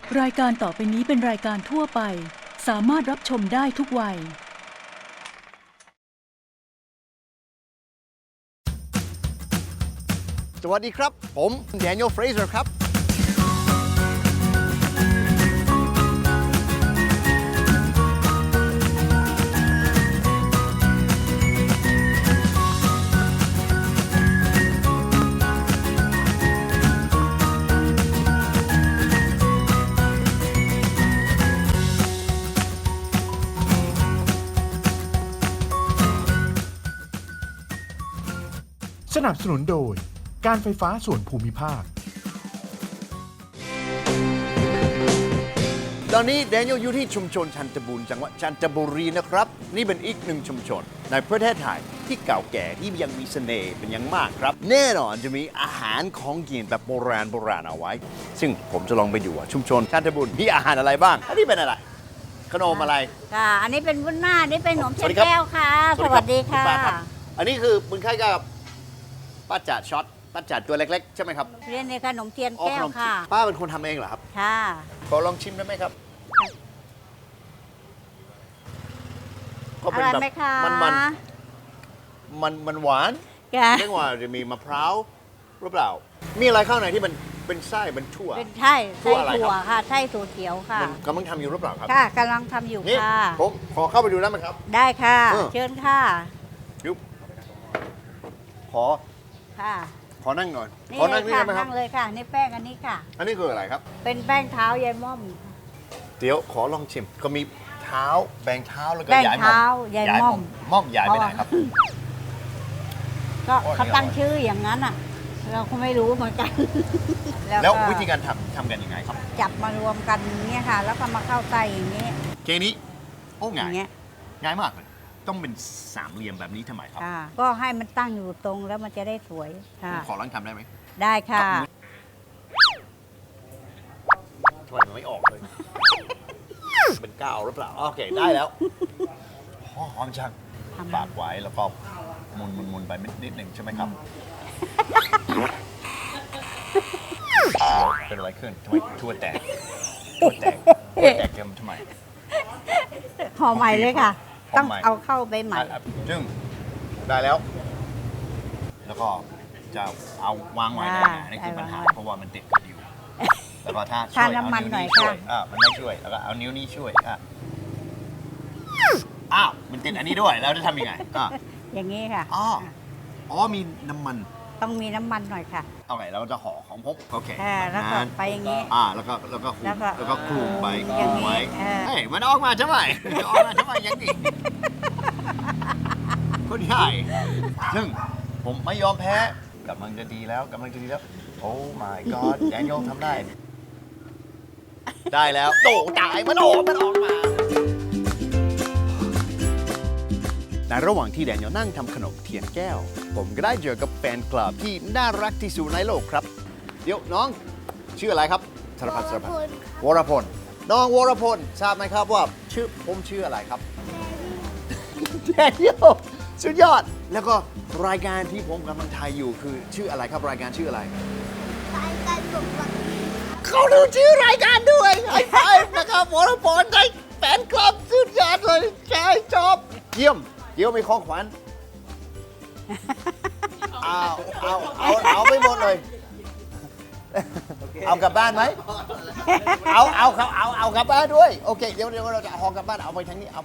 รายการต่อไปนี้เป็นรายการทั่วไปสามารถรับชมได้ทุกวัยสวัสดีครับผมแดเนียล เฟรเซอร์ครับสนับสนุนโดยการไฟฟ้าส่วนภูมิภาคตอนนี้แดเนียลอยู่ที่ชุมชนชันตบูรณ์จังหวัดจันทบุรีนะครับนี่เป็นอีกหนึ่งชุมชนในประเทศไทยที่เก่าแก่ที่ยังมีเสน่ห์เป็นอย่างมากครับแน่นอนจะมีอาหารของกินแบบโบราณเอาไว้ซึ่งผมจะลองไปดูว่าชุมชนชันตบูรณ์มีอาหารอะไรบ้างอันนี้เป็นอะไรขนมอะไรค่ะอันนี้เป็นวุ้นหน้านี่เป็นขนมเชียสวัสงดีครับแก้วค่ะ สวัสดีค่ะณป้ารับอันนี้คือมึงคล้ายกับป้าจัดช็อตป้าจัดตัวเล็กๆใช่ไหมครับเรียนในขนมเทียนอ๋อแก้ขวนมค่ะป้าเป็นคนทำเองเหรอครับค่ะขอลองชิมได้ไหมครับก็อเป็นร่อยแบบไหมคะมันหวานค่ะเรียกว่าจะมีมะพร้าวหรือเปล่า มีอะไรข้างในที่มันเป็นไส้เป็นถั่วเป็นไส้ถั่วอะไรครับถั่วค่ะไส้ถั่วเขียวค่ะมันกำลังทำอยู่หรือเปล่าครับค่ะกำลังทำอยู่นี่ค่ะผมขอเข้าไปดูได้ไหมครับได้ค่ะเออเชิญค่ะยุบขอค่ะขอนั่งหน่อยนี่ขอเลนั่ยงนี่ค่ะได้ไหมครันั่บงเลยค่ะนี่แป้งอันนี้ค่ะอันนี้คืออะไรครับเป็นแป้งเท้ายายม่อมเดี๋ยวขอลองชิมก็มีเท้าแบ่งเท้าแล้วก็แป้งยายม่อเท้าม ยายม่อมม่อมยายไปไหนครับก็โอ้ยเขาตั้งชื่ออย่างนั้นอ่ะ เราก็ไม่รู้เหมือนกันแล้วก็วิธีการทำกันยังไงครับจับมารวมกันอย่างเงี้ยค่ะ แล้วก็มาเข้าไส้อย่างนี้เกมนี้โอ้อง่ายย่างเงี้ยง่ายมากเลยต้องเป็นสามเหลี่ยมแบบนี้ทำไมครับค่ะก็ให้มันตั้งอยู่ตรงแล้วมันจะได้สวยผค่ะมขอลองทำได้ไหมได้ค่ะทำไมมันไม่ออกเลย เป็นก้าวหรือเปล่า โอเค ได้แล้วหอมจังทำฝากไว้แล้วก็หมุนไปนิดหนึ่งใช่ไหมครับ เป็นอะไรขึ้นทำไมทั่วแตกทั่วแตกเกมทำไมห่อใหม่เลยค่ะห่อต้องใหม่เอาเข้าไปใหม่จึงได้แล้ว แล้วก็จะเอาวางไว้ได้ไงนี่คือปัญหาเพราะว่ามันติดกับอยู่ แล้วก็ถ้าช่วยทาน้ำมันหน่อยช่วยค่ะมันไม่ช่วย แล้วก็เอานิ้วนี้ช่วยอ้าวมันติดอันนี้ด้วยแล้วจะทำยังไงอย่างนี้ค่ะอ๋อมีน้ำมันต้องมีน้ำมันหน่อยค่ะเอาไงเราจะห่อของพกโอเคแล้วก็ไปอย่างนี้แล้วก็คลุมแล้วก็คลุมไปคอย่าลุงมนี้ไว้เออเฮ้ยมันออกมาใช่ไหมออกมาใช่ไหมยังดีคนใหญ่ซึ่งผมไม่ยอมแพ้กำลังจะดีแล้วโอ้ my god แดเนียลทำได้ ได้แล้วโตจ่ายมันออกมาในระหว่างที่แดเนียลนั่งทำขนมเทียนแก้ว ผมก็ได้เจอกับแฟนคลับที่น่ารักที่สุดในโลกครับ เดี๋ยวน้องชื่ออะไรครับสารพัดวรพลน้องวรพลทราบไหมครับว่าผมชื่ออะไรครับแดเนียลสุดยอด แล้วก็รายการที่ผมกำลังถ่ายอยู่คือชื่ออะไรครับรายการชื่ออะไร เขาดูชื่อรายการด้วยไฮไฟว์นะครับวรพลได้แฟนคลับสุดยอดเลยใช่ชอบเยี่ยมมีของขวัญเอาไปหมดเลย เอากลับบ้านไหมเอากลับบ้านด้วยโอเคเดี๋ยวเราจะเอากลับบ้านเอาไปทางนี้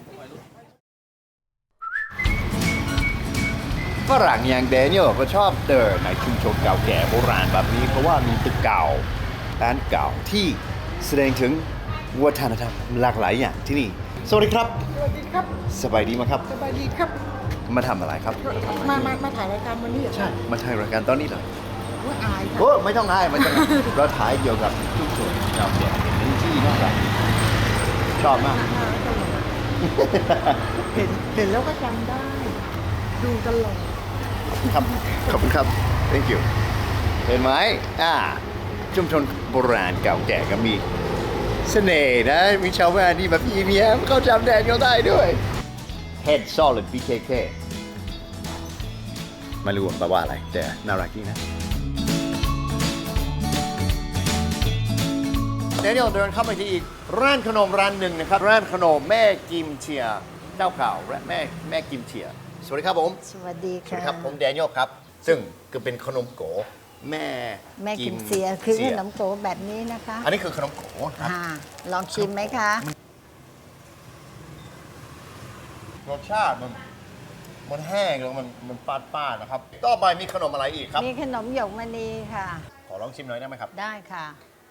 ฝรั่งอย่างแดเนียลก็ชอบเดินในชุมชนเก่าแก่โบราณแบบนี้เพราะว่ามีตึกเก่าร้านเก่าที่แสดงถึงวัฒนธรรมหลากหลายอย่างที่นี่สวัสดีครับสวัสดีครับสบายดีไหมครับสบายดีครับมาทำอะไรครับมาถ่ายรายการวันนี้เหรอใช่มาถ่ายรายการตอนนี้เลยว่าอายค่ะโอ้ไม่ต้องอายเราถ่ายเกี่ยวกับชุมชนเก่าแก่เป็นที่น่ารักชอบมากเห็นแล้วก็จำได้ ดูตลอดครับขอบคุณครับ thank you เห็นไหมชุมชนโบราณเก่าแก่ก็มีเสน่ห์นะ มีชาวบ้านที่แบบอีเมียเขาจำแดนเขาได้ด้วย Head Solid BKK ไม่รู้แปลว่าอะไร แต่น่ารักดีนะเดี๋ยวเดินเข้าไปที่อีกร้านขนมร้านหนึ่งนะครับร้านขนมแม่กิมเชียเจ้าเก่าและแม่กิมเชียสวัสดีครับผมสวัสดีสวัสค่ะดีครับผมแดเนียลครับ ซึ่งก็เป็นขนมโกแม่แม่กิมเสียคือขเสี่ยนมโกแบบนี้นะคะอันนี้คือขนมโกครับค่ะลองชิมไหมคะรสชาติมันแห้งแล้วมันปาดๆนะครับ ต่อไปมีขนมอะไรอีกครับมีขนมหยกมณีค่ะขอลองชิมหน่อยได้ไหมครับได้ค่ะ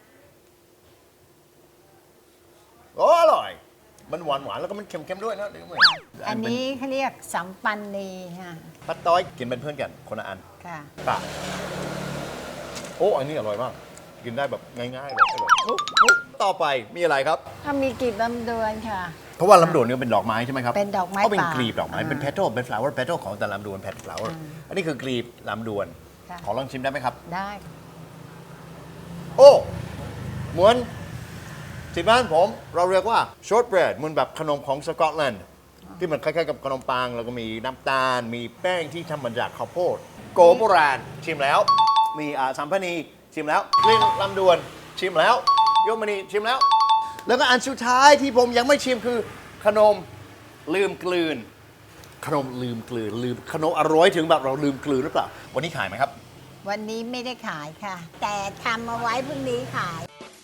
โอ้อร่อย มันหวานๆแล้วก็มันเค็มๆด้วยนะเดี๋ยวเหมือนอันนี้เขาเรียกสัมปันนีค่ะปัดต้อยกินเป็นเพื่อนกันคนละอันค่ะปะโอ้อันนี้อร่อยมาก กินได้แบบง่ายๆเลยอร่อยโอ้ต่อไปมีอะไรครับถ้ามีกลีบลำดวนค่ะเพราะว่าลำดวนเนี่ยเป็นดอกไม้ใช่ไหมครับเป็นดอกไม้เขาเป็นป่ากลีบดอกไม้ เป็น petal เป็น flower petal ของแต่ลำดวน petal flower อันนี้คือกลีบลำดวนค่ะขอลองชิมได้ไหมครับได้โอ้เหมือนที่บ้านผมเราเรียกว่า short bread เหมือนแบบขนมของสกอตแลนด์ที่มันคล้ายๆกับขนมปังแล้วก็มีน้ำตาล มีแป้งที่ทำมาจากข้าวโพดโกโบราณชิมแล้ว มีสัมพนีชิมแล้วกลิ้นลำดวนชิมแล้วโยมณีชิมแล้ว แล้วก็อันสุดท้ายที่ผมยังไม่ชิมคือขนมลืมกลืน ขนมลืมกลืนลืมขนมอร่อยถึงแบบเราลืมกลืนหรือเปล่า วันนี้ขายไหมครับวันนี้ไม่ได้ขายค่ะ แต่ทำเอาไว้พรุ่งนี้ขาย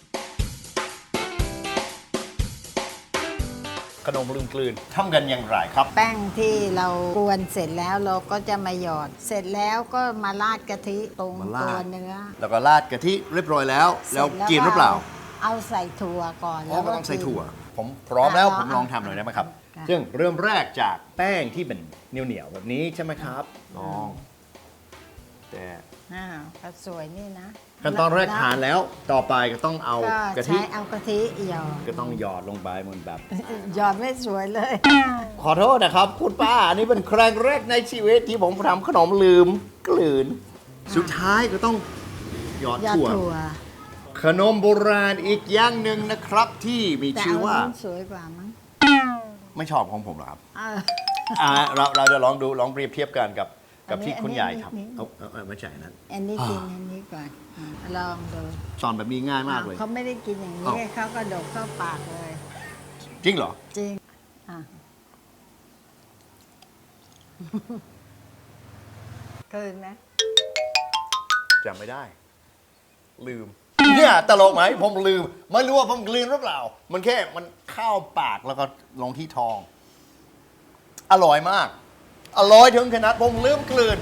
ขนมลืมกลืนทำกันอย่างไรครับแป้งที่เรากวนเสร็จแล้วเราก็จะมาหยอด เสร็จแล้วก็มาราดกะทิตรงมาราดตัวเนื้อแล้วก็ราดกะทิเรียบร้อยแล้ว แล้วสจกินหรือเปล่าเอาใส่ถั่วก่อนอ๋อแล้วก็ก็ต้องใส่กินถั่ว ผมพร้อมแล้วอ่าผมลองทำหน่อยได้ไหมครับค่ะซึ่งเริ่มแรกจากแป้งที่เป็นเหนียวๆแบบนี้ใช่ไหมครับลอง แต่ก็สวยนี่นะขั้นตอนแรกทานแล้ว ต่อไปก็ต้องเอาก็กะทิใช้เอากะทิหยอดก็ต้องหยอดลงไปเหมือนแบบหยอดไม่สวยเลยขอโทษนะครับคุณป้า อันนี้เป็นครั้งแรกในชีวิตที่ผมทำขนมลืมกลืน สุดท้ายก็ต้องหยอดหยอดถั่วถั่วขนมโบราณอีกอย่างหนึ่งนะครับที่มีแต่ชื่อเอาว่านู้นสวยกว่ามั้งไม่ชอบของผมเหรอครับเออเราจะลองดูลองเปรียบเทียบกันกับอันนี้ที่คุณใหญ่ทำอันนี้เอาไม่ใช่นั้นอันนี้กินอันนี้ก่อนลองดูสอนแบบนี้ง่ายมากเลยเขาไม่ได้กินอย่างนี้อ้าวเขาก็ดกเข้าปากเลยจริงเหรอจริงอ่ะ คืนไหมจำไม่ได้ ลืม เนี่ยตลกไหมผมลืม ไม่รู้ว่าผมลืมหรือเปล่า มันแค่มันเข้าปากแล้วก็ลงที่ท้อง อร่อยมาก อร่อยถึงขนาดผมลืมกลืน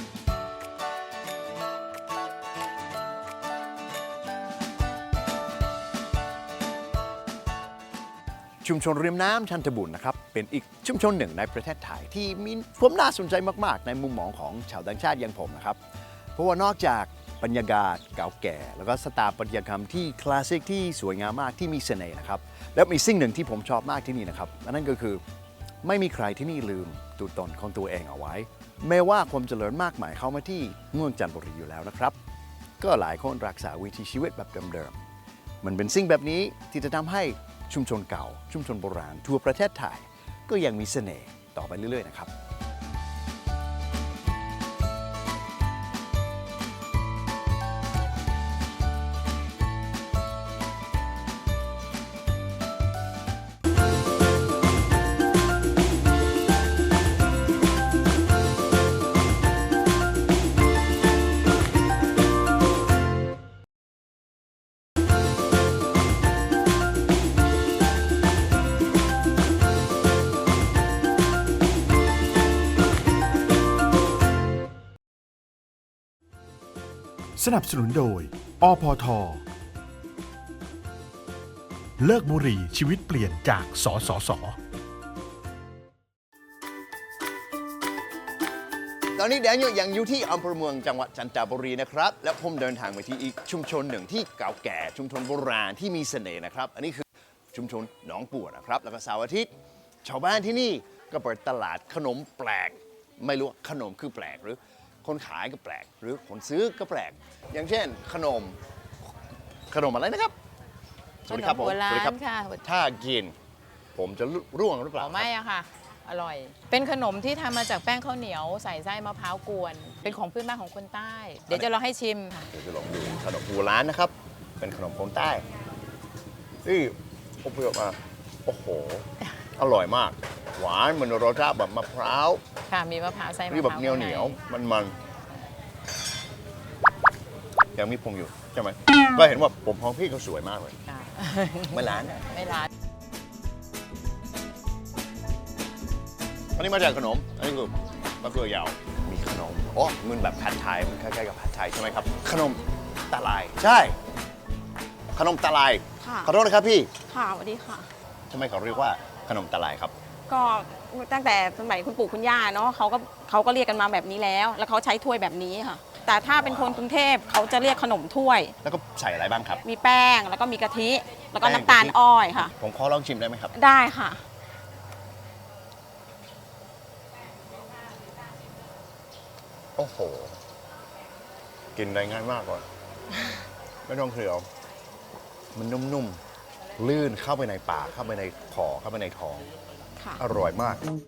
ชุมชนริมน้ำชันทบุรีนะครับเป็นอีกชุมชนหนึ่งในประเทศไทยที่มีความน่าสนใจมากๆ ในมุมมองของชาวต่างชาติอย่างผมนะครับ เพราะว่านอกจากบรรยากาศเก่าแก่ แล้วก็สถาปัตยกรรมที่คลาสสิกที่สวยงามมากที่มีเสน่ห์นะครับแล้วมีสิ่งหนึ่งที่ผมชอบมากที่นี่นะครับนั่นก็คือไม่มีใครที่นี่ลืมตัวตนของตัวเองเอาไว้ แม้ว่าความเจริญมากมายเข้ามาที่เมืองจันทบุรีอยู่แล้วนะครับ ก็หลายคนรักษาวิถีชีวิตแบบเดิมๆมันเป็นสิ่งแบบนี้ที่จะทำให้ชุมชนเก่า ชุมชนโบราณทั่วประเทศไทยก็ยังมีเสน่ห์ต่อไปเรื่อยๆนะครับสนับสนุนโดย อพท เลิกบุหรี่ชีวิตเปลี่ยนจากสสสตอนนี้แดเนียลยังอยู่ที่อำเภอเมืองจังหวัดจันทบุรีนะครับ และผมเดินทางไปที่อีกชุมชนหนึ่งที่เก่าแก่ชุมชนโบราณที่มีเสน่ห์นะครับ อันนี้คือชุมชนหนองปัวนะครับ แล้วก็เสาร์อาทิตย์ชาวบ้านที่นี่ก็เปิดตลาดขนมแปลก ไม่รู้ว่าขนมคือแปลกหรือคนขายก็แปลก หรือคนซื้อก็แปลก อย่างเช่นขนมอะไรนะครับสวัสดีครับผมขนมโบราณสวัสดีครับค่ะถ้ากิน ผมจะร่วงหรือเปล่าไม่อะค่ะ อร่อย เป็นขนมที่ทำมาจากแป้งข้าวเหนียวใส่ไส้มะพร้าวกวน เป็นของพื้นบ้านของคนใต้ เดี๋ยวจะลองให้ชิมค่ะเดี๋ยวจะลองดูขนมโบราณนะครับ เป็นขนมคนใต้ที่อบเปรี้ยวมาโอ้โห อร่อยมาก หวานเหมือนรสชาติแบบมะพร้าวค่ะมีมะพร้าวไส้มะพร้าวนี่แบบเหนียวเหนียวข้างในมันยังมีผมอยู่ใช่ไหมก็เห็นว่าผมของพี่เขาสวยมากเลยค่ะไม่ร้านไม่ร้านอันนี้มาจากขนม อันนี้คือมะเขือยาว มีขนมอ๋อมันแบบผัดไทย มันคล้ายๆกับผัดไทยใช่ไหมครับ ขนมตะไลใช่ ขนมตะไลค่ะขอโทษนะครับพี่ค่ะสวัสดีค่ะทำไมเขาเรียกว่าขนมตะไลครับก็ตั้งแต่สมัยคุณปู่คุณย่าเนาะเขาก็เรียกกันมาแบบนี้แล้ว แล้วเขาใช้ถ้วยแบบนี้ค่ะ แต่ถ้าเป็นคนกรุงเทพเขาจะเรียกขนมถ้วยแล้วก็ใส่อะไรบ้างครับมีแป้งแล้วก็มีกะทิ แล้วก็แป้งน้ำตาลกะทิอ้อยค่ะผมขอลองชิมได้ไหมครับได้ค่ะโอ้โห กินได้ง่ายมากเลยไม่ต้องเคี้ยว มันนุ่มๆ ลื่นเข้าไปในปาก เข้าไปในคอเข้าไปในท้องค่ะอร่อยมาก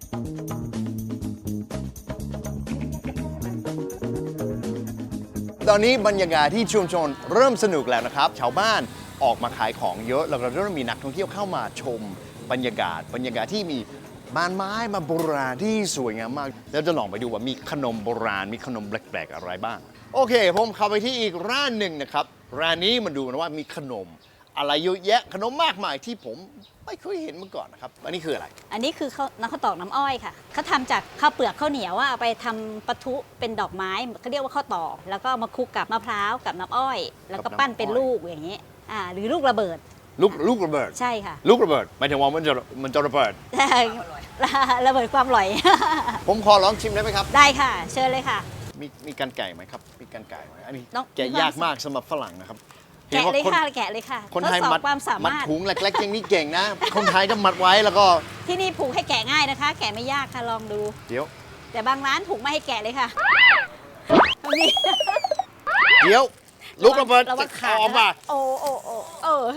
ตอนนี้บรรยากาศที่ชุมชนเริ่มสนุกแล้วนะครับ ชาวบ้านออกมาขายของเยอะ แล้วก็เริ่มมีนักท่องเที่ยวเข้ามาชมบรรยากาศที่มีบ้านไม้มาโบราณที่สวยงามมาก แล้วจะลองไปดูว่ามีขนมโบราณ มีขนมแปลกๆอะไรบ้าง โอเค ผมเข้าไปที่อีกร้านหนึ่งนะครับ ร้านนี้มาดูนะว่ามีขนมอะไรเยอะแยะ ขนมมากมายที่ผมไม่เคยเห็นมาก่อนนะครับ อันนี้คืออะไรอันนี้คือน้ำข้าวตอกน้ำอ้อยค่ะเขาทำจากข้าวเปลือกข้าวเหนียวเอาไปทำปะทุเป็นดอกไม้เขาเรียกว่าข้าวตอก แล้วก็เอามาคลุกกับมะพร้าวกับน้ำอ้อย แล้วก็ปั้นเป็นลูกอย่างนี้หรือลูกระเบิดลูกระเบิดใช่ค่ะลูกระเบิดหมายถึงว่ามันจะระเบิดระเบิดความอร่อยผมขอลองชิมได้ไหมครับได้ค่ะ เชิญเลยค่ะมีกันไก่ไหมครับ มีกันไก่ไหมอันนี้ต้องแกะยากมากสำหรับฝรั่งนะครับแกะเลยคนค่ะแกะเลยค่ะคนไทยทดสอบมัดความสามัดมารถถุงเล็กๆอย่างนี้เก่งนะ คนไทยก็มัดไว้แล้วก็ที่นี่ผูกให้แกะง่ายนะคะ แกะไม่ยากค่ะลองดูเดี๋ยวแต่บางร้านผูกไม่ให้แกะเลยค่ะนี่เดี๋ยว ลูกระเบิดระวังขาดออกมาโอ้โอ้โอ้เออ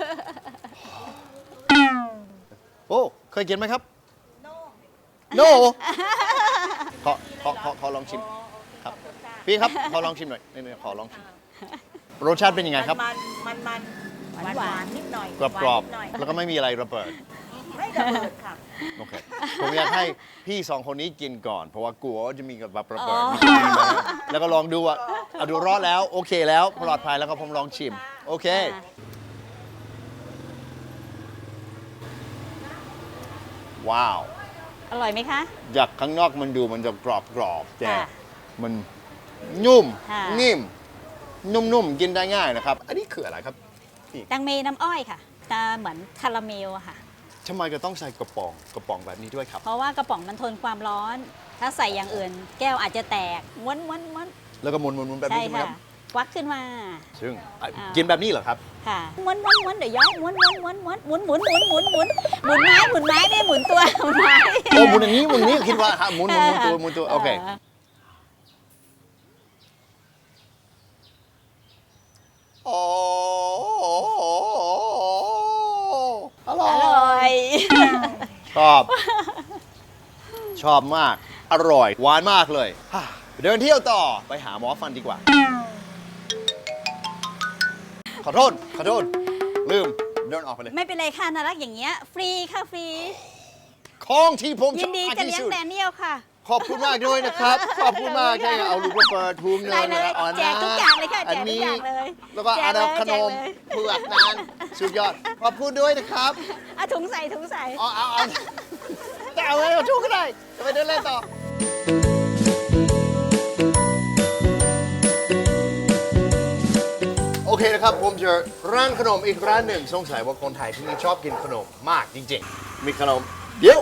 โอ้เคยกินไหมครับ โน ขอลองชิมครับ พี่ครับ ขอลองชิมหน่อยนี่ขอลองชิม รสชาติเป็นยังไงครับหวานนิดหน่อยกรอบหวานนิดหน่อยๆ แล้วก็ไม่มีอะไรระเบิดไม่ระเบิดค่ะโอเค ผมอยากให้พี่สองคนนี้กินก่อน เพราะว่ากลัวว่าจะมีกับระเบิดอ๋อมีกินมาแล้วก็ลองดูว่าเอาดูรอดแล้ว โอเคแล้วปลอดภัยแล้วก็ผมลองชิม โอเค ว้าวอร่อยไหมคะจากข้างนอกมันดูมันจะกรอบๆแต่ค่ะมันนุ่มค่ะนิ่ม นุ่มๆ กินได้ง่ายนะครับ อันนี้คืออะไรครับแตงเมน้ำอ้อยค่ะจะเหมือนคาราเมลอะค่ะทำไมจะต้องใส่กระป๋องแบบนี้ด้วยครับเพราะว่ากระป๋องมันทนความร้อน ถ้าใส่อย่างอื่น แก้วอาจจะแตกม้วนม้วนม้วนแล้วก็หมุนๆแบบใช่นี้ใช่ไหมคค่ะรับควักขึ้นมาซึ่งอ่ากินแบบนี้เหรอครับค่ะม้วนม้วนม้วนเดี๋ยวย้อนม้วนม้วนม้วนม้วนหมุนหมุนหมุนหมุนหมุนหมุนไม้หมุนไม้ไม่หมุนตัวหมุนไม้โอ้หมุนอย่างนี้หมุนนี้คิดว่าฮะหมุนตัวโอเคโอ้อร่ออยร่อยชอบมาก อร่อย หวานมากเลยฮ่าเดินเที่ยวต่อไปหาหมอฟันดีกว่า ขอโทษ ลืม เดินออกไปเลยไม่เป็นไรค่ะน่ารักอย่างเงี้ยฟรีค่ะฟรีของที่ผมชยิอน บดีมากจะที่เลี้ยงสุดแดเนียลค่ะขอบคุณมากด้วยนะครับ ขอบคุณมากใช่เอาลูกมาเปิดทุงเงิได้นเลยอ่อนแจกทุกอย่างเลยค่ะแจกทุกอย่างเลยแล้วก็แจอากเลยดาขนมแจกเลยเผือกนั้นสุดยอด ขอบคุณด้วยนะครับอ่ะถุงใส่ถุงใส่เอาแต่เอาไว้เอาทุกก็ได้จะไปเดินเล่นต่อ โอเคนะครับ ผมเจอร้านขนมอีกร้านหนึ่งสงสัยว่าคนไทยที่นี่ชอบกินขนมมากจริงๆ มีขนม เดี๋ยว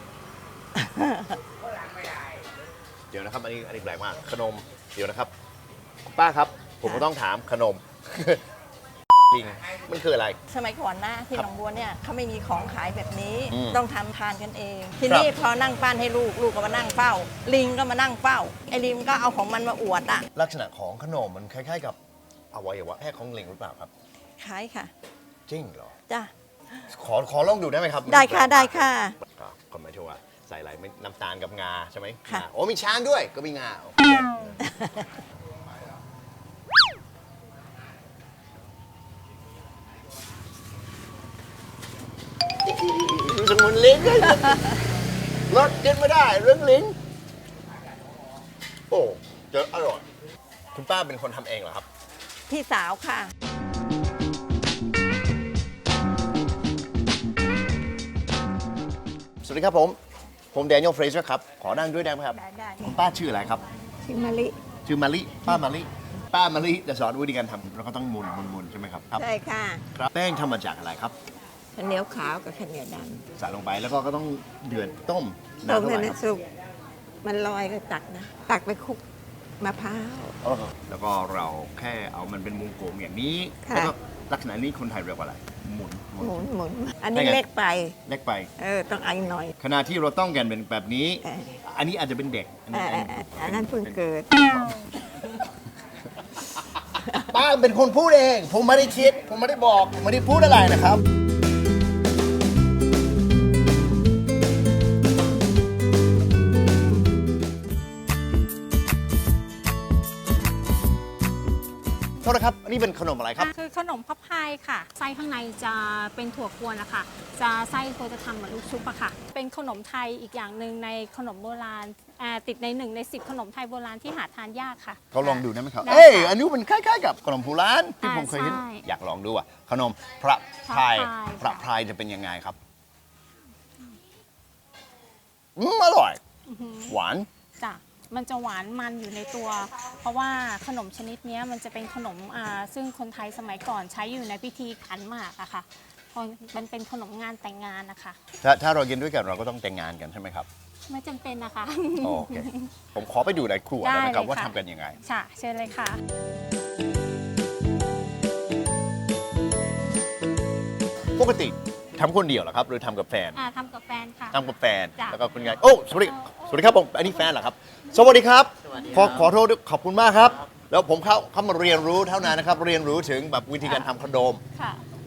เดี๋ยวนะครับ อันนี้แปลกมาก ขนม เดี๋ยวนะครับ ป้าครับ ผมก็ต้องถามขนม ลิงมันคืออะไรสมัยก่อนนะที่ครับหนองบัวเนี่ยเขาไม่มีของขายแบบนี้อืมต้องทำทานกันเอง ทีนี้พอนั่งปั้นให้ลูกก็มานั่งเฝ้า ลิงก็มานั่งเฝ้า ไอ้ลิงก็เอาของมันมาอวดอ่ะลักษณะของขนมมันคล้ายๆกับอวัยวะแพทย์ของลิงหรือเปล่าครับขายค่ะจริงเหรอจ้ะขอลองดูได้ไหมครับได้ค่ะได้ค่ะก็หมายถึงว่าใส่อะไรไม่น้ำตาลกับงาใช่ไหมค่ะงาโอ้มีช้างด้วยก็มีงาโอเคลิ้นรสกินไม่ได้เรื่องลิ้นโอ้เจออร่อยคุณป้าเป็นคนทำเองเหรอครับพี่สาวค่ะสวัสดีครับผมแดเนียลเฟรเซอร์ครับขอนั่งด้วยได้ไหมครับได้คุณป้าชื่ออะไรครับชื่อมะลิชื่อมาลิป้ามาลิจะสอนวิธีการทำเราก็ต้องหมุนใช่ไหมครับใช่ค่ะครับแป้งทำมาจากอะไรครับข้าวเหนียวขาวกับข้าวเหนียวดใส่ลงไปแล้วก็ต้องเดือดต้มำนานเท่าไหร่ให้ครับสุกมันลอยก็ตักนะ ตักไปคลุกมะพร้าวแล้วก็เราแค่เอามันเป็นวงกลมอย่างนี้ค่ะแล้วก็ลักษณะนี้คนไทยเรียกว่าอะไรหมุนหมุนอันนี้ได้ไงเล็กไปเล็กไปต้องเอาอีกหน่อยขณะที่เราต้องกันเป็นแบบนี้เอออันนี้อาจจะเป็นเด็กอันนี้อันนั้นเพิ่งเกิดป้าเป็นคนพูดเอง ผมไม่ได้คิด ผมไม่ได้บอกผมไม่ได้พูดอะไรนะครับ โทษนะครับ อันนี้เป็นขนมอะไรครับคือขนมพับพายค่ะ ไส้ข้างในจะเป็นถั่วกวนนะคะจะไส้ตัวจะทำเหมือนลูกชุบอะค่ะ เป็นขนมไทยอีกอย่างหนึ่งในขนมโบราณติดใน1 ใน 10 ขนมไทยโบราณที่หาทานยากค่ะเขาลองดูได้ไหมครับได้เอ้ยค่ะอันนี้มันคล้ายๆกับขนมโบราณที่ผมเคยเห็นใช่อยากลองดูอ่ะ ขนมพระพายพระพายพระพายจะเป็นยังไงครับอร่อย หวานจ้ะมันจะหวานมันอยู่ในตัว เพราะว่าขนมชนิดเนี้ยมันจะเป็นขนมซึ่งคนไทยสมัยก่อนใช้อยู่ในพิธีขันหมากอะค่ะเพราะมันเป็นขนมงานแต่งงานนะคะถ้าเรากินด้วยกันเราก็ต้องแต่งงานกันใช่ไหมครับไม่จำเป็นนะคะโอเค ผมขอไปดูในครัวได้ไหมครับได้เลยค่ะว่าทำกันยังไงค่ะเชิญเลยค่ะปกติทำคนเดียวเหรอครับ หรือทำกับแฟนทำกับแฟนค่ะทำกับแฟนจ้ะแล้วก็คุณยายโอ้สวัสดีครับผมอันนี้แฟนเหรอครับ สวัสดีครับขอโทษด้วยขอบคุณมากครับ แล้วผมเข้ามาเรียนรู้เท่านั้นนะครับ เรียนรู้ถึงแบบวิธีการทำขนมค่ะ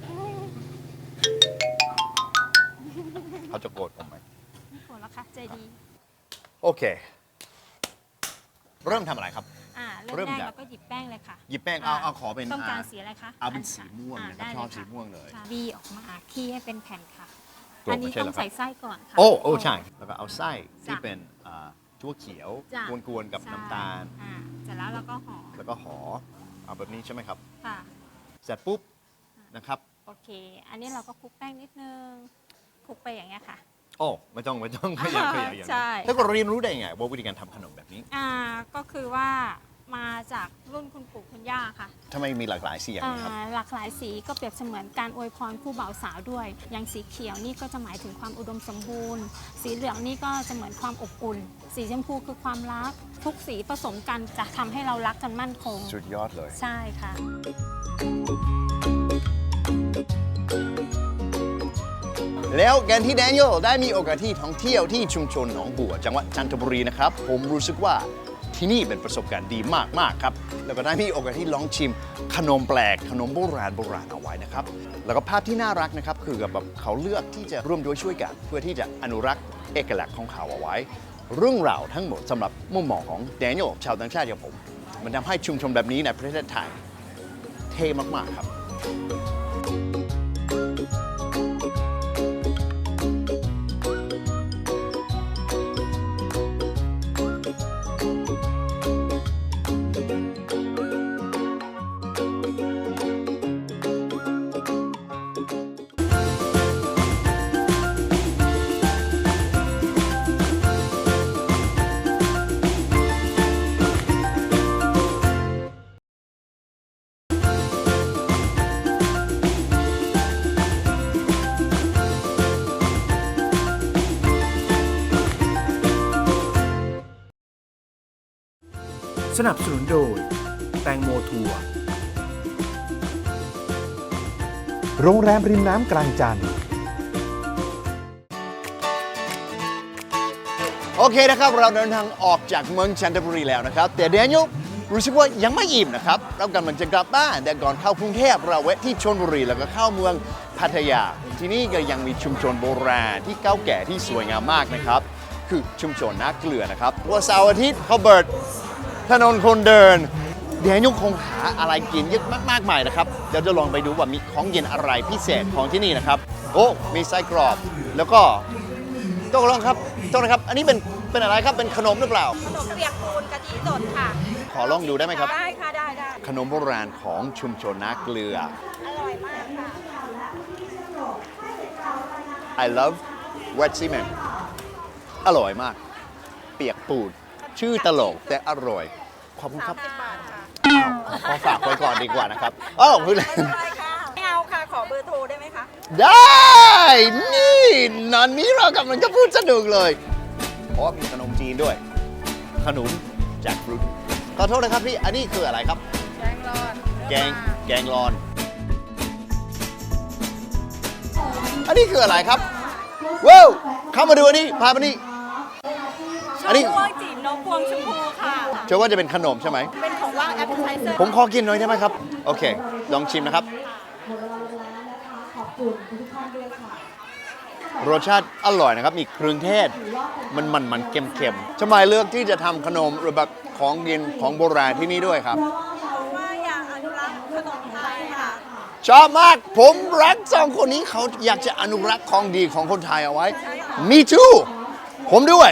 เขาจะโกรธผมไหมไม่โกรธแล้วค่ะใจดีโอเค เริ่มทำอะไรครับ เริ่เริ่มมแรกจากเราก็หยิบแป้งเลยค่ะหยิบแป้งเอาขอเป็นต้องการสีอะไรคะเอาเป็นสีม่วงนะครับได้ชอบเลยสีค่ะม่วงเลยค่ะบีออกมาขี้ให้เป็นแผ่นค่ะกรอบอันนี้ไม่ใช่เหรต้อองครับใส่ไส้ก่อนค่ะโอ้ใช่ แล้วก็เอาไส้ที่จ้ะเป็นถั่วเขียวจ้ะกวนๆกับใช่น้ำตาลเสร็จแล้วเราก็ห่อแล้วก็ห่อเอาแบบนี้ใช่ไหมครับค่ะเสร็จปุ๊บนะครับโอเค อันนี้เราก็คลุกแป้งนิดนึงคลุกไปอย่างเงี้ยค่ะโอ้ไม่ต้องขยันอย่างนี้ใช่แล้วก็เรียนรู้ได้ยังไงว่าวิธีการทำขนมแบบนี้ก็คือว่ามาจากรุ่นคุณปู่คุณย่าค่ะทำไมมีหลากหลายสีอย่างนี้ครับหลากหลายสีก็เปรียบเสมือนการอวยพรคู่บ่าวสาวด้วย อย่างสีเขียวนี่ก็จะหมายถึงความอุดมสมบูรณ์ สีเหลืองนี่ก็จะเหมือนความอบอุ่น สีชมพูคือความรัก ทุกสีผสมกันจะทำให้เรารักกันมั่นคงสุดยอดเลยใช่ค่ะแล้วการที่แดเนียลได้มีโอกาสที่ท่องเที่ยวที่ชุมชนหนองบัวจังหวัดจันทบุรีนะครับ ผมรู้สึกว่าที่นี่เป็นประสบการณ์ดีมากๆครับ แล้วก็ได้มีโอกาสที่ลองชิมขนมแปลกขนมโบราณเอาไว้นะครับ แล้วก็ภาพที่น่ารักนะครับคือแบบเขาเลือกที่จะร่วมด้วยช่วยกัน เพื่อที่จะอนุรักษ์เอกลักษณ์ของเขาเอาไว้ เรื่องราวทั้งหมดสำหรับมุมมองของแดเนียลชาวต่างชาติอย่างผม มันทำให้ชุมชนแบบนี้ในประเทศไทยเท่มากๆครับสนับสนุนโดย แตงโมทัวร์โรงแรมริมน้ำกลางจันทร์โอเคนะครับ เราเดินทางออกจากเมืองจันทบุรีแล้วนะครับ แต่แดเนียลรู้สึกว่ายังไม่อิ่มนะครับ เรากำลังจะกลับบ้านแต่ก่อนเข้ากรุงเทพเราแวะที่ชลบุรีแล้วก็เข้าเมืองพัทยา ที่นี่ก็ยังมีชุมชนโบราณที่เก่าแก่ที่สวยงามมากนะครับ คือชุมชนนาเกลือนะครับวันเสาร์อาทิตย์เขาเปิดถนนคนเดินแดเนียลคงหาอะไรกินเยอะมากมายนะครับเดี๋ยวจะลองไปดูว่ามีของเย็นอะไรพิเศษของที่นี่นะครับโอ้มีไส้กรอบแล้วก็ตกลงครับอันนี้เป็นอะไรครับเป็นขนมหรือเปล่าขนมเปียกปูนกะทิสดค่ะขอลองดูได้ไหมครับได้ค่ะได้ขนมโบราณของชุมชนนาเกลืออร่อยมากค่ะ I love wet cement อร่อยมาก เปียกปูนชื่อตลกแต่อร่อย ขอบคุณครับ 30 บาทค่ะขอฝากไว้ก่อนดีกว่านะครับอ้าวคุณเล่นได้ค่ะไม่เอาค่ะ ขอเบอร์โทรได้ไหมคะได้ นี่นอนนี้เรากำลังจะพูดสนุกเลยเพราะว่ามีขนมจีนด้วย ขนมแจ็คฟรุตขอโทษนะครับพี่ อันนี้คืออะไรครับแกงรอนแกงรอน อันนี้คืออะไรครับ ว้าวเข้ามาดูอันนี้พามานี่อันนี้พวงจีบนกพวงชมพูค่ะเชื่อว่าจะเป็นขนมใช่ไหมเป็นของว่างแอปเปิลไทเซอร์ผมขอกินหน่อยได้ไหมครับ โอเค ลองชิมนะครับ รสชาติอร่อยนะครับ มีเครื่องเทศ มันเค็มๆทำไมเลือกที่จะทำขนมหรือแบบของกินของโบราณที่นี่ด้วยครับว่าอยากอนุรักษ์ขนมไทยค่ะชอบมาก ผมรักสองคนนี้เขาอยากจะอนุรักษ์ของดีของคนไทยเอาไว้ Me too ผมด้วย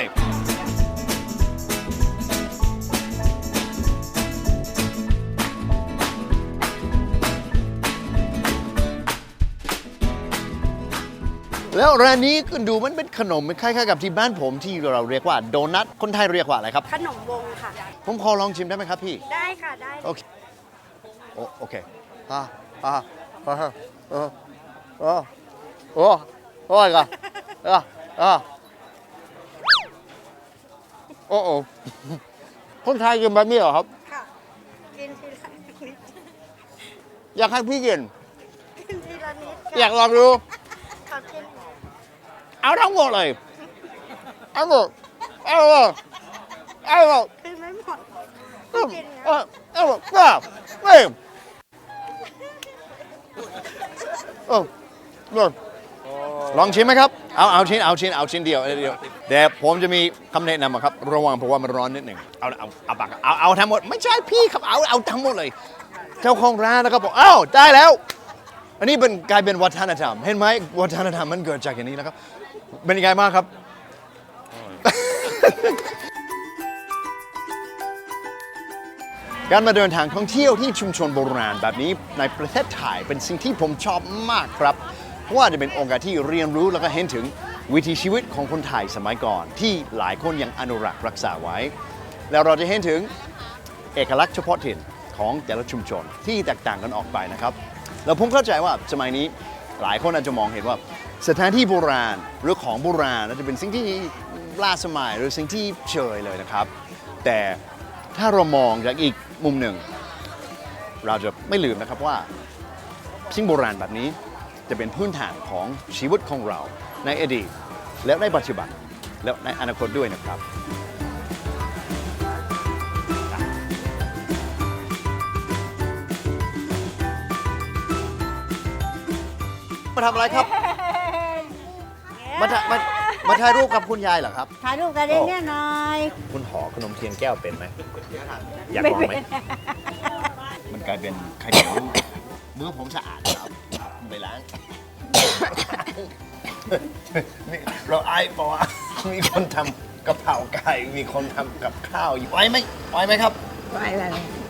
แล้วร้านนี้คุณดูมันเป็นขนมมันคล้ายๆกับที่บ้านผมที่เราเรียกว่าโดนัท คนไทยเรียกว่าอะไรครับขนมวงค่ะผมขอลองชิมได้ไหมครับพี่ได้ค่ะ ได้โอเค โอเคโอ้ยก่อนโอ้คนไทยกินแบบนี้เหรอครับค่ะ กินทีละนิดอยากให้พี่กินกินทีละนิดอยากลองดูขอกินเอาทั้งหมดเลย เอาหมดกินไม่หมดเอาหมดลองชิมไหมครับ เอาชิ้นเดียวแต่ผมจะมีคำแนะนำอะครับ ระวังเพราะว่ามันร้อนนิดหนึ่งเอาปากเอาทั้งหมด ไม่ใช่พี่ครับ เอาทั้งหมดเลย เจ้าของร้านนะครับบอกได้แล้ว อันนี้กลายเป็นวัฒนธรรม เห็นไหมวัฒนธรรมมันเกิดจากอย่างนี้นะครับ เป็นยังไงบ้างครับ การมาเดินทางท่องเที่ยวที่ชุมชนโบราณแบบนี้ในประเทศไทยเป็นสิ่งที่ผมชอบมากครับ เพราะว่าจะเป็นโอกาสที่เรียนรู้แล้วก็เห็นถึงวิถีชีวิตของคนไทยสมัยก่อน ที่หลายคนยังอนุรักษ์รักษาไว้ แล้วเราจะเห็นถึงเอกลักษณ์เฉพาะถิ่นของแต่ละชุมชนที่แตกต่างกันออกไปนะครับแล้วผมเข้าใจว่าสมัยนี้หลายคนอาจจะมองเห็นว่าสถานที่โบราณหรือของโบราณน่าจะเป็นสิ่งที่ล้าสมัยหรือสิ่งที่เฉยเลยนะครับแต่ถ้าเรามองจากอีกมุมหนึ่งเราจะไม่ลืมนะครับว่าสิ่งโบราณแบบนี้จะเป็นพื้นฐานของชีวิตของเราในอดีตและในปัจจุบันและในอนาคตด้วยนะครับมาทำอะไรครับ มาถ่ายรูปกับคุณยายเหรอครับถ่ายรูปกันได้เนี่ยหน่อยคุณห่อขนมเทียนแก้วเป็นไหมอยากลองไหม มันกลายเป็นไข่เหนียวมือผมสะอาดครับไปล้าง นี่เราไอ้บอกว่ามีคนทำกะเพราไก่ มีคนทำกับข้าวอยู่ไหวไหมครับไปเลย